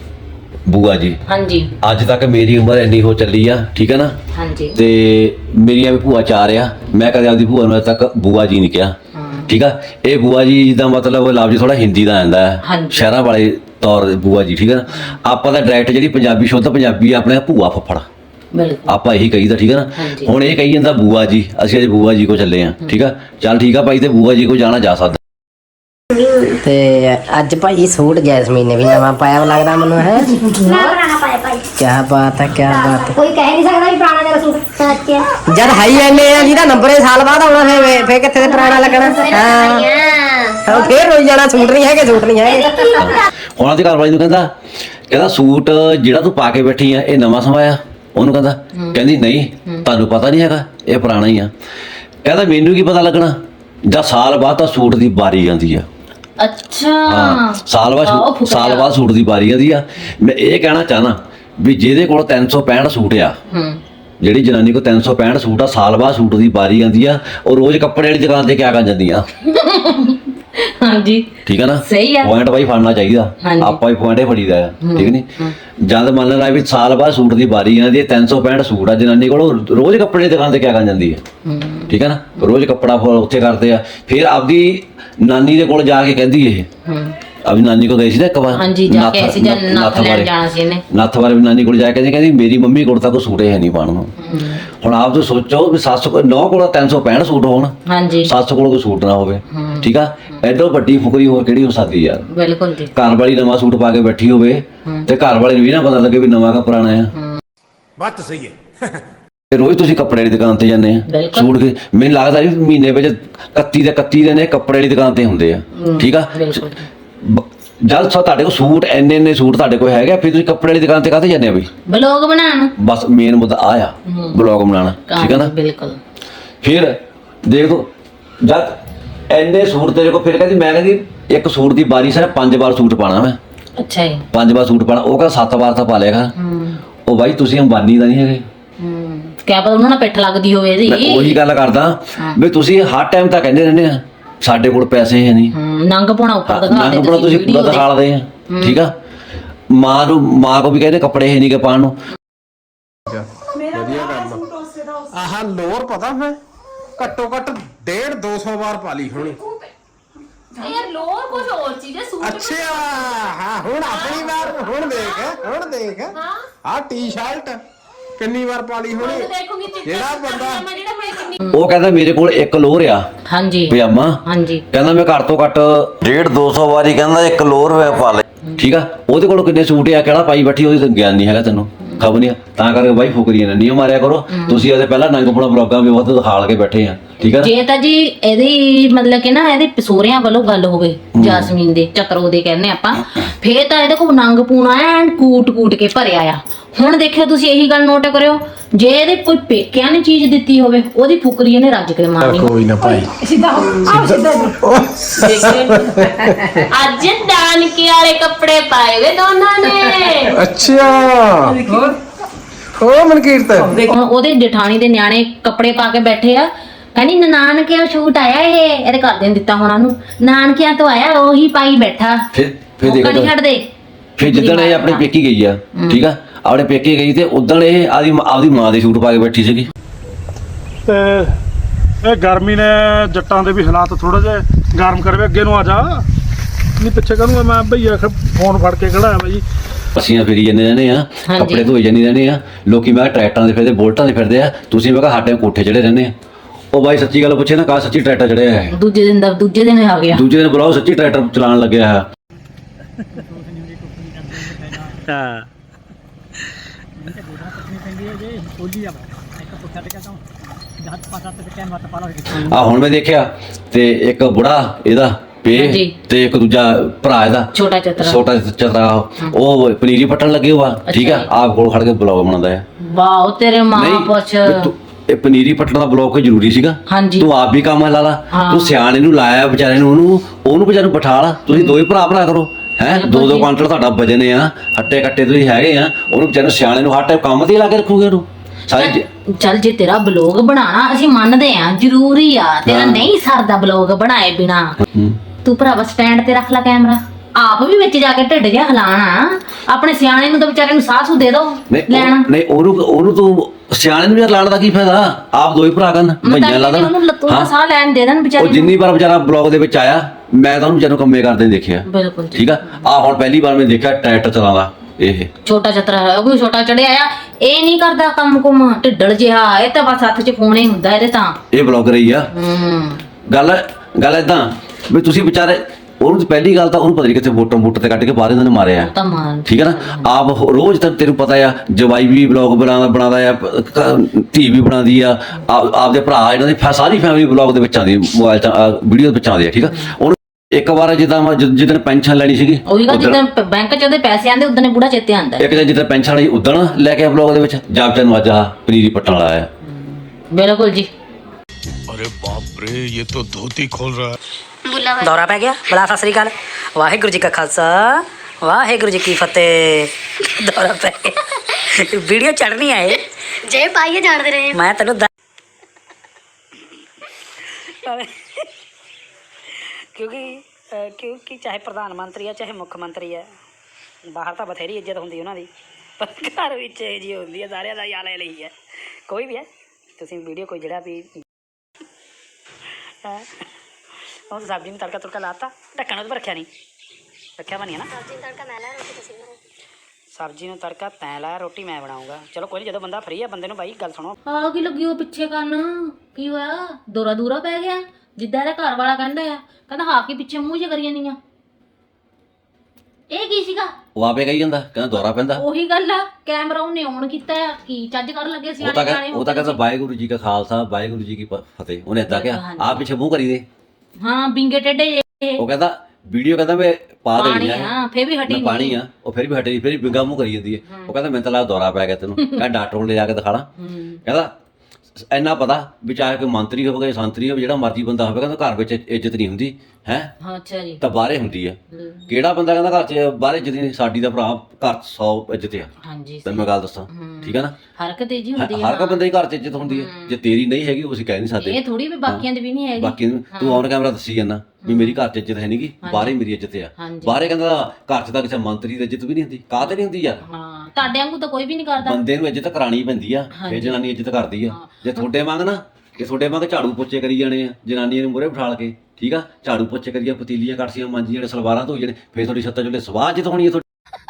Speaker 4: ਜੀ
Speaker 3: ਹਾਂਜੀ
Speaker 4: ਅੱਜ ਤੱਕ ਮੇਰੀ ਉਮਰ ਇੰਨੀ ਹੋ ਚੱਲੀ ਆ, ਠੀਕ ਹੈ ਨਾ।
Speaker 3: ਹਾਂਜੀ
Speaker 4: ਤੇ ਮੇਰੀਆਂ ਵੀ ਭੂਆ ਚਾਰ ਆ, ਮੈਂ ਕਦੇ ਆਪਦੀ ਭੂਆ ਨੂੰ ਅਜੇ ਤੱਕ ਬੂਆ ਜੀ ਨਹੀਂ ਕਿਹਾ, ਠੀਕ ਆ। ਇਹ ਬੂਆ ਜੀ ਦਾ ਮਤਲਬ ਲਫ਼ਜ਼ ਥੋੜਾ ਹਿੰਦੀ ਦਾ ਆਉਂਦਾ ਹੈ, ਸ਼ਹਿਰਾਂ ਵਾਲੇ ਤੌਰ ਤੇ ਬੂਆ ਜੀ, ਠੀਕ ਹੈ ਨਾ। ਆਪਾਂ ਤਾਂ ਡਾਇਰੈਕਟ ਜਿਹੜੀ ਪੰਜਾਬੀ ਸ਼ੁੱਧ ਪੰਜਾਬੀ ਆ ਆਪਣੇ ਭੂਆ ਫੁੱਫੜ ਆਪਾਂ ਇਹੀ ਕਹੀਦਾ, ਠੀਕ ਹੈ ਨਾ। ਹੁਣ ਇਹ ਕਹੀ ਜਾਂਦਾ ਬੂਆ ਜੀ, ਅਸੀਂ ਅੱਜ ਬੂਆ ਜੀ ਕੋ ਚੱਲੇ ਆ, ਠੀਕ ਆ। ਚੱਲ ਠੀਕ ਆ ਭਾਈ, ਤੇ ਬੂਆ ਜੀ ਕੋ ਜਾਣਾ ਜਾ ਸਕਦਾ।
Speaker 6: ਤੇ ਅੱਜ ਭਾਈ ਸੂਟ ਜੈਸਮੀਨ ਨੇ ਵੀ ਨਵਾਂ ਪਾਇਆ ਲੱਗਦਾ ਮੈਨੂੰ, ਹੈ
Speaker 5: ਪੁਰਾਣਾ ਪਾਇਆ ਭਾਈ।
Speaker 6: ਕੀ ਬਾਤ ਹੈ, ਕੀ ਬਾਤ ਹੈ।
Speaker 5: ਕੋਈ ਕਹਿ ਨਹੀਂ ਸਕਦਾ ਵੀ ਪੁਰਾਣਾ ਜਰਾ ਸੂਟ ਸੱਚ ਹੈ।
Speaker 6: ਜਦ ਹਾਈ ਐਨੇ ਆ ਜਿਹਦਾ ਨੰਬਰ ਸਾਲ ਬਾਅਦ ਆਉਣਾ ਫੇਰ ਕਿੱਥੇ ਤੇ ਪੁਰਾਣਾ ਲੱਗਣਾ। ਹਾਂ ਫੇਰ ਰੋਈ ਜਾਣਾ, ਸੂਟ ਨਹੀਂ ਹੈਗੇ, ਸੂਟ ਨਹੀਂ ਹੈਗੇ।
Speaker 4: ਹੁਣ ਦੀ ਘਰ ਵਾਲੀ ਨੂੰ ਕਹਿੰਦਾ ਸੂਟ ਜਿਹੜਾ ਤੂੰ ਪਾ ਕੇ ਬੈਠੀ ਆ ਇਹ ਨਵਾਂ ਸਵਾਇਆ? ਉਹਨੂੰ ਕਹਿੰਦੀ ਨਹੀਂ ਤੁਹਾਨੂੰ ਪਤਾ ਨਹੀਂ ਹੈਗਾ ਇਹ ਪੁਰਾਣਾ ਹੀ ਆ। ਕਹਿੰਦਾ ਮੈਨੂੰ ਕੀ ਪਤਾ ਲੱਗਣਾ, ਜਾਂ ਸਾਲ ਬਾਅਦ ਤਾਂ ਸੂਟ ਦੀ ਵਾਰੀ ਆਉਂਦੀ ਆ।
Speaker 3: ਅੱਛਾ
Speaker 4: ਸਾਲ ਬਾਅਦ ਸੂਟ ਦੀ ਵਾਰੀ ਆਉਂਦੀ ਆ। ਮੈਂ ਇਹ ਕਹਿਣਾ ਚਾਹਨਾ ਵੀ ਜਿਹਦੇ ਕੋਲ 365 ਸੂਟ ਆ, ਜਿਹੜੀ ਜਨਾਨੀ ਕੋਲ 365 ਸੂਟ ਆ, ਸਾਲ ਬਾਅਦ ਸੂਟ ਦੀ ਵਾਰੀ ਆਉਂਦੀ ਆ, ਉਹ ਰੋਜ਼ ਕੱਪੜੇ ਵਾਲੀ ਦੁਕਾਨ ਤੇ ਕਿਆ ਕਰਨ ਜਾਂਦੀ ਆ?
Speaker 3: ਹਾਂਜੀ
Speaker 4: ਠੀਕ ਹੈ ਨਾ
Speaker 3: ਸਹੀ ਆ।
Speaker 4: ਪੁਆਇੰਟ ਬਾਈ ਫੜਨਾ ਚਾਹੀਦਾ
Speaker 3: ਹਾਂਜੀ।
Speaker 4: ਆਪਾਂ ਹੀ ਪੁਆਇੰਟ ਹੀ ਫੜੀਦਾ ਆ ਠੀਕ ਨਹੀਂ ਜਦ ਮੰਨ ਲਾ ਵੀ ਸਾਲ ਬਾਅਦ ਸੂਟ ਦੀ ਵਾਰੀ ਆਉਂਦੀ ਹੈ 365 ਸੂਟ ਆ ਜਨਾਨੀ ਕੋਲ ਉਹ ਰੋਜ਼ ਕੱਪੜੇ ਦੀ ਦੁਕਾਨ ਤੇ ਕਿਆ ਕਰਨ ਜਾਂਦੀ ਹੈ ਠੀਕ ਹੈ ਨਾ ਰੋਜ਼ ਕੱਪੜਾ ਉੱਥੇ ਕਰਦੇ ਆ ਫਿਰ ਆਪਦੀ ਨਾਨੀ ਦੇ ਕੋਲ ਜਾ ਕੇ ਕਹਿੰਦੀ ਇਹ ਅਭੀ ਨਾਨੀ ਕੋਲ ਗਈ ਸੀ ਨਾ ਇੱਕ ਵਾਰ
Speaker 3: ਹਾਂਜੀ ਜਾ ਕੇ ਅਸੀਂ ਜਦ ਨੱਥ ਲੈਣ ਜਾਣਾ ਸੀ ਇਹਨੇ
Speaker 4: ਨੱਥ ਵਾਲੇ ਵੀ ਨਾਨੀ ਕੋਲ ਜਾ ਕੇ ਕਹਿੰਦੀ ਮੇਰੀ ਮੰਮੀ ਕੋਲ ਤਾਂ ਕੋਈ ਸੂਟ ਹੈ ਨਹੀਂ ਪਾਉਣ ਨੂੰ ਹੁਣ ਆਪ ਤੁਸੀਂ ਸੋਚੋ ਵੀ ਸੱਸ ਕੋਲ ਨੌ ਕੋਲ 365 ਸੂਟ ਹੋਣ
Speaker 3: ਹਾਂਜੀ
Speaker 4: ਸੱਸ ਕੋਲ ਕੋਈ ਸੂਟ ਨਾ ਹੋਵੇ ਠੀਕ ਆ ਐਡੋ ਵੱਡੀ ਫੁਕਰੀ ਹੋਰ ਕਿਹੜੀ ਹੋ ਸਕਦੀ ਯਾਰ
Speaker 3: ਬਿਲਕੁਲ ਜੀ
Speaker 4: ਘਰ ਵਾਲੀ ਨਵਾਂ ਸੂਟ ਪਾ ਕੇ ਬੈਠੀ ਹੋਵੇ ਤੇ ਘਰ ਵਾਲੇ ਨੂੰ ਵੀ ਨਾ ਪਤਾ ਲੱਗੇ ਵੀ ਨਵਾਂ ਕਾ ਪੁਰਾਣਾ ਆ
Speaker 1: ਬਾਤ ਸਹੀ ਹੈ
Speaker 4: ਤੇ ਰੋਜ਼ ਤੁਸੀਂ ਕੱਪੜੇ ਵਾਲੀ ਦੁਕਾਨ ਤੇ ਜਾਂਦੇ ਆ ਸੂਟ ਕੇ ਮੈਨੂੰ ਲੱਗਦਾ ਵੀ ਮਹੀਨੇ ਵਿੱਚ 31 ਦੇ 31 ਦਿਨ ਕੱਪੜੇ ਵਾਲੀ ਦੁਕਾਨ ਤੇ ਹੁੰਦੇ ਆ ਠੀਕ ਆ ਜਦ ਤੁਹਾਡੇ ਕੋਲ ਸੂਟ ਇੰਨੇ ਸੂਟ ਤੁਹਾਡੇ ਕੋਲ ਹੈਗੇ ਫਿਰ ਤੁਸੀਂ ਕੱਪੜੇ ਵਾਲੀ ਦੁਕਾਨ ਤੇ ਕਾਹਤੇ ਜਾਂਦੇ ਆ ਬਈ
Speaker 3: ਬਲੌਗ ਬਣਾਉਣ
Speaker 4: ਬਸ ਮੇਨ ਮੁੱਦਾ ਆ ਬਲੌਗ ਬਣਾਉਣਾ ਠੀਕ ਹੈ ਨਾ
Speaker 3: ਬਿਲਕੁਲ
Speaker 4: ਫਿਰ ਦੇਖੋ ਜਦ ਇੰਨੇ ਸੂਟ ਤੇ ਦੇਖੋ ਫਿਰ ਕਹਿੰਦੀ ਮੈਂ ਕਹਿੰਦੀ ਇੱਕ ਸੂਟ ਦੀ ਵਾਰੀ ਸਿਰਫ 5 ਵਾਰ ਸੂਟ ਪਾਣਾ ਮੈਂ
Speaker 3: ਅੱਛਾ ਜੀ
Speaker 4: 5 ਵਾਰ ਸੂਟ ਪਾਣਾ ਉਹ ਕਹਿੰਦਾ 7 ਵਾਰ ਤਾਂ ਪਾ ਲਿਆ ਉਹ ਬਾਈ ਤੁਸੀਂ ਅੰਬਾਨੀ ਦਾ ਨਹੀਂ ਹੈਗੇ
Speaker 3: ਕਿਆ ਪਤਾ ਉਹਨਾਂ ਨਾਲ ਪਿੱਠ ਲੱਗਦੀ ਹੋਵੇ ਇਹਦੀ
Speaker 4: ਮੈਂ ਉਹੀ ਗੱਲ ਕਰਦਾ ਵੀ ਤੁਸੀਂ ਹਰ ਟਾਈਮ ਤਾਂ ਕਹਿੰਦੇ ਰਹਿੰਦੇ ਆ ਸਾਡੇ ਕੋਲ ਪੈਸੇ ਹੈ ਨਹੀਂ
Speaker 3: ਨੰਗ ਪਾਉਣਾ ਉੱਪਰ ਦਿਖਾ ਦੇ
Speaker 4: ਨੰਗ ਪਾਉਣਾ ਤੁਸੀਂ ਪੂਰਾ ਦਿਖਾ ਲਦੇ ਆ ਠੀਕ ਆ ਮਾਂ ਕੋ ਵੀ ਕਹਿੰਦੇ ਕੱਪੜੇ ਹੈ ਨਹੀਂ ਕਿ ਪਾਉਣ ਨੂੰ
Speaker 7: ਆਹ ਲੋਰ ਪਤਾ ਮੈਂ ਘੱਟੋ ਘੱਟ 150-200 ਵਾਰ ਪਾ ਲਈ ਹੋਣੀ
Speaker 2: ਯਾਰ ਲੋਰ ਕੁਝ ਹੋਰ ਚੀਜ਼ ਹੈ ਸੂਟ
Speaker 7: ਅੱਛਾ ਹਾਂ ਹੁਣ ਆਪਣੀ ਵਾਰ ਹੁਣ ਦੇਖ ਆਹ ਟੀ-ਸ਼ਰਟ ਕਿੰਨੀ ਵਾਰ ਪਾ ਲਈ ਹੋਣੀ
Speaker 2: ਦੇਖੂਗੀ
Speaker 7: ਜਿਹੜਾ ਬੰਦਾ
Speaker 2: ਜਿਹੜਾ ਮੈਂ ਕਿੰਨੀ
Speaker 4: ਉਹ ਕਹਿੰਦਾ ਮੇਰੇ ਕੋਲ ਇੱਕ ਲੋਰ ਆ
Speaker 3: ਹਾਂਜੀ
Speaker 4: ਪਜਾਮਾ
Speaker 3: ਹਾਂਜੀ
Speaker 4: ਕਹਿੰਦਾ ਮੈਂ ਘੱਟ ਤੋਂ ਘੱਟ 150-200 ਵਾਰੀ ਕਹਿੰਦਾ ਇੱਕ ਲੋਰ ਵੇ ਪਾ ਲੈ ਠੀਕ ਆ ਉਹਦੇ ਕੋਲ ਕਿੰਨੇ ਸੂਟ ਆ ਕਿਹੜਾ ਪਾਈ ਬੈਠੀ ਉਹਦੀ ਤਾਂ ਗਿਆਨ ਨਹੀਂ ਹੈਗਾ ਤੈਨੂੰ ਖਬਰ ਨਹੀਂ ਤਾਂ ਕਰਕੇ ਬਾਈ ਫੁਕਰੀਆਂ ਨਹੀਂ ਮਾਰਿਆ ਕਰੋ ਤੁਸੀਂ ਉਹਦੇ ਪਹਿਲਾਂ ਨੰਗਪੁਣਾ ਬਲੌਗਾਂ ਵੀ ਬਹੁਤ ਦਿਖਾਲ ਕੇ ਬੈਠੇ ਆ ਠੀਕ ਆ
Speaker 3: ਜੇ ਤਾਂ ਜੀ ਇਹਦੀ ਮਤਲਬ ਕਿ ਨਾ ਇਹਦੇ ਸੋਹਰਿਆਂ ਵੱਲੋਂ ਗੱਲ ਹੋਵੇ ਜਾਸਮੀਨ ਦੇ ਚਤਰੋ ਦੇ ਕਹਿੰਦੇ ਆਪਾਂ ਫੇਰ ਤਾਂ ਇਹਦੇ ਕੋਲ ਨੰਗ ਪੂਣਾ ਐਨ ਕੂਟ ਕੇ ਭਰਿਆ ਆ ਹੁਣ ਦੇਖਿਓ ਤੁਸੀਂ ਇਹੀ ਗੱਲ ਨੋਟ ਕਰਿਓ ਜੇ ਇਹਦੇ ਕੋਈ ਪੇਕਿਆਂ ਨੇ ਚੀਜ਼ ਦਿੱਤੀ ਹੋਵੇ ਉਹਦੀ ਫੁਕਰੀ ਇਹਨੇ ਰੱਜ ਕੇ ਮਾਰਨੀ
Speaker 7: ਕੋਈ ਨਾ ਭਾਈ
Speaker 2: ਅੱਜ ਨਾਨਕੇ ਵਾਲੇ ਕੱਪੜੇ ਪਾਏ ਵੇ ਦੋਨਾਂ ਨੇ
Speaker 7: ਅੱਛਾ ਹੋ ਮਨਕੀਰਤ
Speaker 3: ਹੁਣ ਉਹਦੇ ਜਠਾਣੀ ਦੇ ਨਿਆਣੇ ਕੱਪੜੇ ਪਾ ਕੇ ਬੈਠੇ ਆ ਕਹਿੰਦੀ ਨਾਨਕਿਆਂ ਸ਼ੂਟ ਆਇਆ ਇਹਦੇ ਘਰਦਿਆਂ ਨੇ ਦਿੱਤਾ ਹੋਣਾ ਨੂੰ ਨਾਨਕਿਆਂ ਤੋਂ ਆਇਆ ਉਹੀ ਪਾਈ ਬੈਠਾ
Speaker 4: ਫਿਰ
Speaker 3: ਮੌਕਾ ਨਹੀਂ ਛੱਡਦੇ
Speaker 4: ਫਿਰ ਜਿੱਦਣ ਇਹ ਆਪਣੇ ਪੇਕੀ ਗਈ ਆ ਠੀਕ ਆ ਆਪਣੇ ਪੇਕੇ ਗਈ ਤੇ ਉਦਣ ਇਹ ਆਪਦੀ ਮਾਂ ਦੇ ਸੂਟ ਪਾ ਕੇ ਬੈਠੀ ਸੀਗੀ
Speaker 1: ਤੇ ਇਹ ਗਰਮੀ ਨੇ ਜੱਟਾਂ ਦੇ ਵੀ ਹਾਲਾਤ ਥੋੜਾ ਜਿਹਾ ਗਰਮ ਕਰਵੇ ਅੱਗੇ ਨੂੰ ਆ ਜਾ ਨਹੀਂ ਪਿੱਛੇ ਕਰੂੰਗਾ ਮੈਂ ਭਈਆ ਫੋਨ ਫੜ ਕੇ ਖੜਾ ਆ ਬਾਈ
Speaker 4: ਅਸੀਂ ਫੇਰੀ ਜਾਂਦੇ ਰਹਿੰਦੇ ਆ ਕੱਪੜੇ ਧੋਈ ਜਾਂਦੇ ਰਹਿੰਦੇ ਆ ਲੋਕੀ ਮੈਂ ਟਰੈਕਟਰਾਂ ਦੇ ਫਿਰਦੇ ਬੋਲਟਾਂ ਦੇ ਫਿਰਦੇ ਆ ਤੁਸੀਂ ਮੈਂ ਕਿਹਾ ਸਾਡੇ ਕੋਠੇ ਚੜੇ ਰਹਿੰਦੇ ਆ ਉਹ ਬਾਈ ਸੱਚੀ ਗੱਲ ਪੁੱਛੇ ਨਾ ਕਾ ਸੱਚੀ ਟਰੈਕਟਰ ਚੜਿਆ ਹੈ
Speaker 3: ਦੂਜੇ ਦਿਨ ਆ ਗਿਆ
Speaker 4: ਦੂਜੇ ਦਿਨ ਬੁਲਾਓ ਸੱਚੀ ਟਰੈਕਟਰ ਚਲਾਉਣ ਲੱਗਿਆ ਹੈ
Speaker 1: ਹਾਂ
Speaker 4: ਆ ਹੁਣ ਮੈਂ ਦੇਖਿਆ ਤੇ ਇੱਕ ਬੁੜਾ ਇਹਦਾ ਪੇ ਤੇ ਇੱਕ ਦੂਜਾ ਭਰਾ ਇਹਦਾ ਛੋਟਾ ਚਤਰਾ ਉਹ ਪਨੀਰੀ ਪੱਟਣ ਲੱਗੇ ਹੋਆ ਠੀਕ ਆ ਆਪ ਕੋਲ ਖੜ ਕੇ ਬਲੌਗ ਬਣਾਉਂਦਾ ਹੈ
Speaker 3: ਵਾਓ ਤੇਰੇ ਮਾਂ ਪੁੱਛ
Speaker 4: ਇਹ ਪਨੀਰੀ ਪੱਟਣ ਦਾ ਬਲੌਗ ਜ਼ਰੂਰੀ ਸੀਗਾ ਤੂੰ ਆਪ ਵੀ ਕੰਮ ਲਾ ਲਾ ਤੂੰ ਸਿਆਣੇ ਨੂੰ ਲਾਇਆ ਵਿਚਾਰੇ ਨੂੰ ਉਹਨੂੰ ਵਿਚਾਰੇ ਨੂੰ ਬਿਠਾ ਲਾ ਤੁਸੀਂ ਦੋਵੇਂ ਭਰਾ ਕਰੋ ਹੈ 2-2 ਕੁਆਂਟਲ ਤੁਹਾਡਾ ਵਜਨ ਆ ਹੱਟੇ ਕੱਟੇ ਤੁਸੀਂ ਹੈਗੇ ਆ ਉਹਨੂੰ ਵਿਚਾਰੇ ਸਿਆਣੇ ਨੂੰ ਹਰ ਟਾਈਮ ਕੰਮ ਤੇ ਲਾ ਕੇ ਰੱਖੋਗੇ ਉਹਨੂੰ
Speaker 3: ਚੱਲ ਜੇ ਤੇਰਾ ਬਲੌਗ ਬਣਾਣਾ ਅਸੀਂ ਮੰਨਦੇ ਆ ਜ਼ਰੂਰੀ ਆ ਤੇਰਾ ਨਹੀਂ ਸਰਦਾ ਬਲੌਗ ਬਣਾਏ ਬਿਨਾ ਤੂੰ ਭਰਾਵਾ ਸਟੈਂਡ ਤੇ ਰੱਖ ਲੈ ਕੈਮਰਾ ਆਪ ਵੀ ਵਿੱਚ ਜਾ ਕੇ ਢਿੱਡ ਜਿਹਾ ਹਿਲਾਣਾ ਆਪਣੇ ਸਿਆਣੇ ਨੂੰ ਤਾਂ ਵਿਚਾਰੇ ਨੂੰ ਸਾਹ ਸੂ ਦੇ ਦੋ ਲੈਣਾ
Speaker 4: ਨਹੀਂ ਉਹਨੂੰ ਤੂੰ ਸਿਆਣੇ ਨੂੰ ਯਾਰ ਲਾਣ ਦਾ ਕੀ ਫਾਇਦਾ ਆਪ ਦੋਈ ਭਰਾ ਕਰਨ ਭਈਆਂ ਲਾ ਦੇਣ
Speaker 3: ਉਹਨੂੰ ਲੱਤੂ ਦਾ ਸਾਹ ਲੈਣ ਦੇ ਦੇਣ ਵਿਚਾਰੇ
Speaker 4: ਉਹ ਜਿੰਨੀ ਵਾਰ ਵਿਚਾਰਾ ਬਲੌਗ ਦੇ ਵਿੱਚ ਆਇਆ ਮੈਂ ਤਾਂ ਉਹਨੂੰ ਵਿਚਾਰੇ ਨੂੰ ਕੰਮੇ ਕਰਦੇ ਦੇਖਿਆ
Speaker 3: ਬਿਲਕੁਲ
Speaker 4: ਠੀਕ ਆ ਹੁਣ ਪਹਿਲੀ ਵਾਰ ਮੈਂ ਦੇਖਿਆ ਟਰੈਕਟਰ ਚਲਾਉਂਦਾ ਇਹ
Speaker 3: ਛੋਟਾ ਚਤਰਾ ਹੈ ਉਹ ਵੀ ਛੋਟਾ ਚੜਿਆ ਆ ਇਹ ਨਹੀਂ ਕਰਦਾ ਕੰਮ ਕੁਮ ਢਿੱਡਲ ਜਿਹਾ ਇਹ ਤਾਂ ਬਸ ਹੱਥ 'ਚ ਫੋਨ ਹੀ ਹੁੰਦਾ ਇਹਦੇ ਤਾਂ
Speaker 4: ਇਹ ਬਲੌਗਰ ਹੀ ਆ ਗੱਲ ਏਦਾਂ ਵੀ ਤੁਸੀਂ ਵਿਚਾਰੇ ਉਹਨੂੰ ਪਹਿਲੀ ਗੱਲ ਤਾਂ ਉਹਨੂੰ ਪਤਾ ਨਹੀਂ ਕਿੱਥੇ ਵੋਟ ਤੇ ਕੱਢ ਕੇ ਬਾਹਰ ਇਹਨਾਂ ਨੇ ਮਾਰਿਆ ਠੀਕ ਹੈ ਨਾ ਆਪ ਰੋਜ਼ ਤਾਂ ਤੈਨੂੰ ਪਤਾ ਆ ਜਵਾਈ ਵੀ ਬਲੌਗ ਬਣਾਉਂਦਾ ਆ ਧੀ ਵੀ ਬਣਾਉਂਦੀ ਆ ਆਪਦੇ ਭਰਾ ਇਹਨਾਂ ਦੀ ਸਾਰੀ ਫੈਮਿਲੀ ਬਲੌਗ ਦੇ ਵਿੱਚ ਆਉਂਦੀ ਮੋਬਾਈਲ ਵੀਡੀਓ ਵਿੱਚ ਆਉਂਦੀ ਆ ਠੀਕ ਆ ਉਹਨੂੰ ਇੱਕ ਵਾਰ ਜਿੱਦਣ ਪੈਨਸ਼ਨ ਲੈਣੀ ਸੀਗੀ
Speaker 3: ਉਹੀ ਗੱਲ ਜਿੱਦਣ ਬੈਂਕ 'ਚ ਉਹਦੇ ਪੈਸੇ ਆਂਦੇ ਉਦੋਂ ਬੁੜਾ ਚੇਤੇ ਆਂਦਾ
Speaker 4: ਇੱਕ ਜਿੱਦਣ ਪੈਨਸ਼ਨ ਲਈ ਉਦਣ ਲੈ ਕੇ ਬਲੌਗ ਦੇ ਵਿੱਚ ਜਾਪਚਾ ਨੂੰ ਅੱਜ ਪਨੀਰੀ ਪੱਟਣ ਵਾਲਾ ਆ
Speaker 3: ਬਿਲਕੁਲ ਜੀ
Speaker 1: अरे बाप रे ये तो धोती खोल रहा है
Speaker 8: ਦੌਰਾ ਪੈ ਗਿਆ ਬਲਾ ਸਤਿ ਸ੍ਰੀ ਅਕਾਲ ਵਾਹਿਗੁਰੂ ਜੀ ਕਾ ਖਾਲਸਾ ਵਾਹਿਗੁਰੂ ਜੀ ਕੀ ਫਤਿਹ ਦੌਰਾ ਪੈ ਗਿਆ ਵੀਡੀਓ ਚੜਨੀ ਆਏ
Speaker 5: ਜੇ ਪਾਈਏ ਜਾਣਦੇ ਰਹੇ
Speaker 8: ਮੈਂ ਤੈਨੂੰ ਕਿਉਂਕਿ ਚਾਹੇ ਪ੍ਰਧਾਨ ਮੰਤਰੀ ਆ ਚਾਹੇ ਮੁੱਖ ਮੰਤਰੀ ਆ, ਬਾਹਰ ਤਾਂ ਬਥੇਰੀ ਇੱਜ਼ਤ ਹੁੰਦੀ ਉਹਨਾਂ ਦੀ, ਪਰ ਘਰ ਵਿੱਚ ਇਹ ਜਿਹੀ ਹੁੰਦੀ ਹੈ, ਸਾਰਿਆਂ ਦਾ ਹਾਲ ਇਹ ਲਈ ਹੈ। ਕੋਈ ਵੀ ਹੈ, ਤੁਸੀਂ ਵੀਡੀਓ ਕੋਈ ਜਿਹੜਾ ਵੀ ਉਹ ਸਬਜ਼ੀ ਨੂੰ ਤੜਕਾ ਤੁੜਕਾ ਲਾਤਾ, ਢੱਕਣ ਉਹਦੇ ਪਰ ਰੱਖਿਆ ਨਹੀਂ, ਰੱਖਿਆ ਵਾ ਨਹੀਂ ਹੈ ਨਾ। ਸਬਜ਼ੀ ਨੂੰ ਤੜਕਾ ਤੈਂ ਲਾਇਆ, ਰੋਟੀ ਮੈਂ ਬਣਾਉਂਗਾ। ਚਲੋ ਕੋਈ ਨਹੀਂ, ਜਦੋਂ ਬੰਦਾ ਫਰੀ ਆ ਬੰਦੇ ਨੂੰ ਬਾਈ ਗੱਲ ਸੁਣੋ।
Speaker 3: ਆ ਕੀ ਲੱਗੀ ਉਹ ਪਿੱਛੇ ਕਰਨ, ਕੀ ਹੋਇਆ? ਦੂਰਾ ਦੂਰਾ ਪੈ ਗਿਆ ਜਿੱਦਾਂ ਇਹਦਾ ਘਰ ਵਾਲਾ ਕਹਿੰਦਾ ਆ, ਕਹਿੰਦਾ ਹਾਂ ਕੀ ਪਿੱਛੇ ਮੂੰਹ ਜੇ ਕਰੀ ਜਾਂਦੀ ਆ। ਇਹ ਕੀ ਸੀਗਾ?
Speaker 4: ਉਹ ਆਪੇ ਕਹੀ ਜਾਂਦਾ, ਕਹਿੰਦਾ ਦੌਰਾ ਪੈਂਦਾ।
Speaker 3: ਉਹੀ ਗੱਲ ਆ, ਕੈਮਰਾ ਉਹਨੇ ਔਨ ਕੀਤਾ ਆ, ਕੀ ਚੱਜ ਕਰਨ ਲੱਗੇ ਸੀ?
Speaker 4: ਉਹ ਤਾਂ ਕਹਿੰਦਾ ਵਾਹਿਗੁਰੂ ਜੀ ਕਾ ਖਾਲਸਾ ਵਾਹਿਗੁਰੂ ਜੀ ਕੀ ਫਤਿਹ, ਉਹਨੇ ਏਦਾਂ ਕਿਹਾ, ਆ ਪਿੱਛੇ ਮੂੰਹ ਕਰੀ ਦੇ।
Speaker 3: ਹਾਂ ਬਿੰਗੇ ਟੇਡੇ
Speaker 4: ਉਹ ਕਹਿੰਦਾ ਵੀਡੀਓ ਕਹਿੰਦਾ ਮੈਂ ਪਾ ਦੇਣੀ ਆ,
Speaker 3: ਹਾਂ ਫੇਰ ਵੀ ਹਟੀ
Speaker 4: ਪਾਣੀ ਆ, ਉਹ ਫਿਰ ਵੀ ਹਟੇ, ਫਿਰ ਬਿੰਗਾ ਮੂੰਹ ਕਰੀ ਜਾਂਦੀ ਹੈ। ਉਹ ਕਹਿੰਦਾ ਮੈਨੂੰ ਤਾਂ ਲੱਗਦਾ ਦੌਰਾ ਪੈ ਗਿਆ ਤੈਨੂੰ, ਕਹਿੰਦਾ ਡਾਕਟਰ ਨੂੰ ਲੈ ਜਾ ਕੇ ਦਿਖਾਣਾ। ਕਹਿੰਦਾ ਇੰਨਾ ਪਤਾ ਵੀ ਚਾਹੇ ਕੋਈ ਮੰਤਰੀ ਹੋਵੇ ਸੰਤਰੀ ਹੋਵੇ, ਜਿਹੜਾ ਮਰਜ਼ੀ ਬੰਦਾ ਹੋਵੇ, ਕਹਿੰਦਾ ਘਰ ਵਿੱਚ ਇੱਜ਼ਤ ਨਹੀਂ ਹੁੰਦੀ ਹੈ,
Speaker 3: ਅੱਛਾ ਜੀ, ਤਾਂ
Speaker 4: ਬਾਹਰੇ ਹੁੰਦੀ ਆ। ਕਿਹੜਾ ਬੰਦਾ ਕਹਿੰਦਾ ਘਰ 'ਚ ਬਾਹਰ ਇੱਜ਼ਤ ਨਹੀਂ? ਸਾਡੀ ਦਾ ਭਰਾ ਘਰ 'ਚ 100 ਇੱਜ਼ਤ ਆ।
Speaker 3: ਹਾਂਜੀ
Speaker 4: ਤੈਨੂੰ ਮੈਂ ਗੱਲ ਦੱਸਾਂ, ਠੀਕ ਆ ਨਾ,
Speaker 3: ਹਰਕਤ ਤੇਜੀ ਹੁੰਦੀ ਆ,
Speaker 4: ਹਰ ਇੱਕ ਬੰਦੇ ਦੀ ਘਰ 'ਚ ਇੱਜ਼ਤ ਹੁੰਦੀ ਹੈ। ਜੇ ਤੇਰੀ ਨਹੀਂ ਹੈਗੀ ਉਹ ਅਸੀਂ ਕਹਿ ਨਹੀਂ ਸਕਦੇ,
Speaker 3: ਇਹ ਥੋੜੀ ਵੀ ਬਾਕੀਆਂ ਦੀ ਵੀ ਨਹੀਂ ਹੈਗੀ।
Speaker 4: ਬਾਕੀ ਤੂੰ ਔਨ ਕੈਮਰਾ ਦੱਸੀ ਜਾਂਦਾ ਵੀ ਮੇਰੀ ਘਰ 'ਚ ਇੱਜ਼ਤ ਹੈ ਨਹੀਂਗੀ, ਬਾਹਰੇ ਮੇਰੀ ਇੱਜ਼ਤ ਆ। ਬਾਹਰੇ ਕਹਿੰਦਾ ਘਰ 'ਚ ਤਾਂ ਕਿਸੇ ਮੰਤਰੀ ਦੀ ਇੱਜ਼ਤ ਵੀ ਨਹੀਂ ਹੁੰਦੀ। ਕਾਹ ਤੇ ਨਹੀਂ ਹੁੰਦੀ ਯਾਰ?
Speaker 3: ਹਾਂ ਤੁਹਾਡੇ ਵਾਂਗੂ ਤਾਂ ਕੋਈ ਵੀ ਨਹੀਂ ਕਰਦਾ।
Speaker 4: ਬੰਦੇ ਨੂੰ ਇੱਜ਼ਤ ਕਰਾਣੀ ਪੈਂਦੀ ਆ, ਫਿਰ ਜਨਾਨੀ ਇੱਜ਼ਤ ਕਰਦੀ ਆ। ਜੇ ਤੁਹਾਡੇ ਵਾਂਗ ਨਾ, ਕਿ ਤੁਹਾਡੇ ਵਾਂਗ ਝਾੜੂ ਪੋਚੇ ਕਰੀ ਜਾਣੇ ਆ, ਜਨਾਨੀਆਂ ਨੂੰ ਮੂਹਰੇ ਬਿਠਾਲ ਕੇ, ਠੀਕ ਆ, ਝਾੜੂ ਪੋਚੇ ਕਰੀਏ, ਪਤੀਲੀਆਂ ਕੜਸੀਆਂ ਮਾਂਜੀ ਜਾਣੇ, ਸਲਵਾਰਾਂ ਧੋਈ ਜਾਣੇ, ਫਿਰ ਤੁਹਾਡੀ ਛੱਤਾਂ ਚੁੱਲ੍ਹੇ ਸਵਾਹ ਇੱਜ਼ਤ ਹੋਣੀ ਹੈ।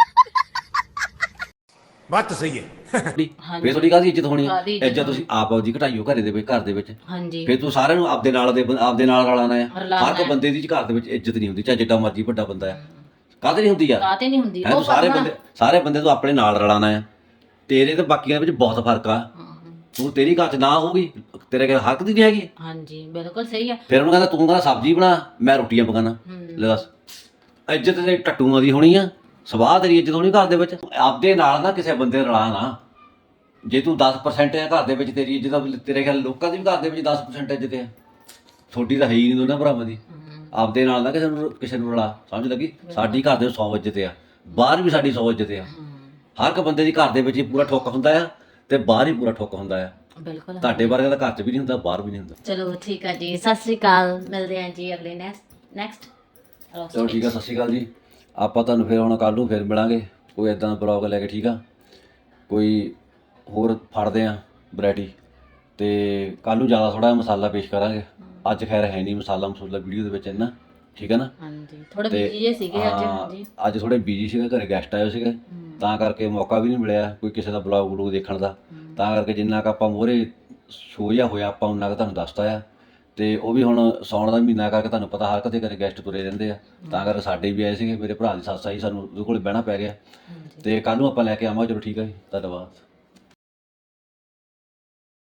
Speaker 9: ਬਾਤ ਤਾਂ ਸਹੀ ਹੈ।
Speaker 4: ਫਿਰ ਤੁਹਾਡੀ ਕਾਹਦੀ ਇੱਜ਼ਤ ਹੋਣੀ ਹੈ? ਇੱਜ਼ਤ ਤੁਸੀਂ ਆਪ ਆਪਦੀ ਘਟਾਈਓ ਘਰ ਦੇ ਵਿੱਚ।
Speaker 3: ਹਾਂਜੀ
Speaker 4: ਫਿਰ ਤੂੰ ਸਾਰਿਆਂ ਨੂੰ ਆਪਦੇ ਨਾਲ ਰਲਾਣਾ ਆ। ਹਰ ਇੱਕ ਬੰਦੇ ਦੀ ਘਰ ਦੇ ਵਿੱਚ ਇੱਜ਼ਤ ਨਹੀਂ ਹੁੰਦੀ, ਚਾਹੇ ਜਿੱਡਾ ਮਰਜ਼ੀ ਵੱਡਾ ਬੰਦਾ ਆ। ਕਾਹਤੇ ਨਹੀਂ ਹੁੰਦੀ ਯਾਰ?
Speaker 3: ਕਾਹਤੇ ਨਹੀਂ ਹੁੰਦੀ?
Speaker 4: ਤੂੰ ਸਾਰੇ ਬੰਦੇ ਤੋਂ ਆਪਣੇ ਨਾਲ ਰਲਾਣਾ ਆ। ਤੇਰੇ ਤੇ ਬਾਕੀਆਂ ਵਿੱਚ ਬਹੁਤ ਫਰਕ ਆ। ਤੂੰ ਤੇਰੀ ਘਰ 'ਚ ਨਾ ਹੋਊਗੀ, ਤੇਰੇ ਕੋਲ ਹੱਕ ਦੀ ਨਹੀਂ ਹੈਗੀ।
Speaker 3: ਹਾਂਜੀ ਬਿਲਕੁਲ ਸਹੀ ਆ।
Speaker 4: ਫਿਰ ਉਹਨੂੰ ਕਹਿੰਦਾ ਤੂੰ ਕਹਿੰਦਾ ਸਬਜ਼ੀ ਬਣਾ, ਮੈਂ ਰੋਟੀਆਂ ਪਕਾਣਾ। ਲੈ ਦੱਸ, ਇੱਜ਼ਤ ਤੇ ਟੱਟੂਆਂ ਦੀ ਹੋਣੀ ਆ, ਸਵਾਹ ਤੇਰੀ ਇੱਜ਼ਤ ਹੋਣੀ ਘਰ ਦੇ ਵਿੱਚ। ਆਪਦੇ ਨਾਲ ਨਾ ਕਿਸੇ ਬੰਦੇ ਰਲਾ ਨਾ। ਜੇ ਤੂੰ 10% ਆ ਘਰ ਦੇ ਵਿੱਚ ਤੇਰੀ ਇੱਜ਼ਤ, ਤੇਰੇ ਖਿਆਲ ਲੋਕਾਂ ਦੀ ਵੀ ਘਰ ਦੇ ਵਿੱਚ 10% ਇੱਜ਼ਤ ਆ। ਤੁਹਾਡੀ ਤਾਂ ਹੈ ਹੀ ਨਹੀਂ ਦੋਨਾਂ ਭਰਾਵਾਂ ਦੀ। ਆਪਦੇ ਨਾਲ ਨਾ ਕਿਸੇ ਨੂੰ ਰਲਾ, ਸਮਝ ਲੱਗੀ? ਸਾਡੀ ਘਰ ਦੇ 100 ਇੱਜ਼ਤ ਆ, ਬਾਹਰ ਵੀ ਸਾਡੀ 100 ਇੱਜ਼ਤ ਆ। ਹਰ ਇੱਕ ਬੰਦੇ ਦੀ ਘਰ ਦੇ ਵਿੱਚ ਹੀ ਪੂਰਾ ਠੁੱਕ ਹੁੰਦਾ ਆ, ਤੇ ਬਾਹਰ ਹੀ ਪੂਰਾ ਠੁੱਕ ਹੁੰਦਾ ਆ।
Speaker 3: ਬਿਲਕੁਲ
Speaker 4: ਤੁਹਾਡੇ ਬਾਰੇ ਤਾਂ ਘਰ 'ਚ ਵੀ ਨਹੀਂ ਹੁੰਦਾ, ਬਾਹਰ ਵੀ ਨਹੀਂ ਹੁੰਦਾ।
Speaker 3: ਚਲੋ ਠੀਕ ਆ ਜੀ, ਸਤਿ ਸ੍ਰੀ ਅਕਾਲ, ਮਿਲਦੇ ਆਂ ਜੀ ਅਗਲੇ ਨੈਕਸਟ।
Speaker 4: ਚਲੋ ਠੀਕ ਆ, ਸਤਿ ਸ਼੍ਰੀ ਅਕਾਲ ਜੀ। ਆਪਾਂ ਤੁਹਾਨੂੰ ਫਿਰ ਹੁਣ ਕੱਲ੍ਹ ਨੂੰ ਫਿਰ ਮਿਲਾਂਗੇ ਕੋਈ ਇੱਦਾਂ ਦਾ ਬਲੌਗ ਲੈ ਕੇ, ਠੀਕ ਆ? ਕੋਈ ਹੋਰ ਫੜਦੇ ਆ ਵੈਰਾਈਟੀ, ਤੇ ਕੱਲ੍ਹ ਨੂੰ ਜ਼ਿਆਦਾ ਥੋੜ੍ਹਾ ਮਸਾਲਾ ਪੇਸ਼ ਕਰਾਂਗੇ। ਅੱਜ ਖੈਰ ਹੈ ਨਹੀਂ ਮਸਾਲਾ ਵੀਡੀਓ ਦੇ ਵਿੱਚ ਇੰਨਾ, ਠੀਕ ਹੈ ਨਾ?
Speaker 3: ਹਾਂਜੀ ਥੋੜਾ ਬਿਜੀ ਜੇ ਸੀਗੇ ਅੱਜ। ਹਾਂਜੀ
Speaker 4: ਅੱਜ ਥੋੜੇ ਬਿਜੀ ਸੀਗੇ, ਘਰੇ ਗੈਸਟ ਆਏ ਸੀਗੇ, ਤਾਂ ਕਰਕੇ ਮੌਕਾ ਵੀ ਨਹੀਂ ਮਿਲਿਆ ਕੋਈ ਕਿਸੇ ਦਾ ਬਲੌਗ ਦੇਖਣ ਦਾ। ਤਾਂ ਕਰਕੇ ਜਿੰਨਾ ਕੁ ਆਪਾਂ ਮੂਹਰੇ ਸ਼ੋਅ ਜਿਹਾ ਹੋਇਆ ਆਪਾਂ ਉਹਨਾਂ ਕੁ ਤੁਹਾਨੂੰ ਦੱਸਤਾ ਆ। ਤੇ ਉਹ ਵੀ ਹੁਣ ਸਾਉਣ ਦਾ ਮਹੀਨਾ ਕਰਕੇ ਤੁਹਾਨੂੰ ਪਤਾ ਹਰ ਕਦੇ ਘਰੇ ਗੈਸਟ ਤੁਰੇ ਰਹਿੰਦੇ ਆ, ਤਾਂ ਕਰਕੇ ਸਾਡੇ ਵੀ ਆਏ ਸੀਗੇ। ਮੇਰੇ ਭਰਾ ਦੀ ਸੱਸ ਆਈ, ਸਾਨੂੰ ਉਹਦੇ ਕੋਲ ਬਹਿਣਾ ਪੈ ਗਿਆ। ਤੇ ਕੱਲ੍ਹ ਨੂੰ ਆਪਾਂ ਲੈ ਕੇ ਆਵਾਂਗੇ। ਚਲੋ ਠੀਕ ਹੈ ਜੀ, ਧੰਨਵਾਦ।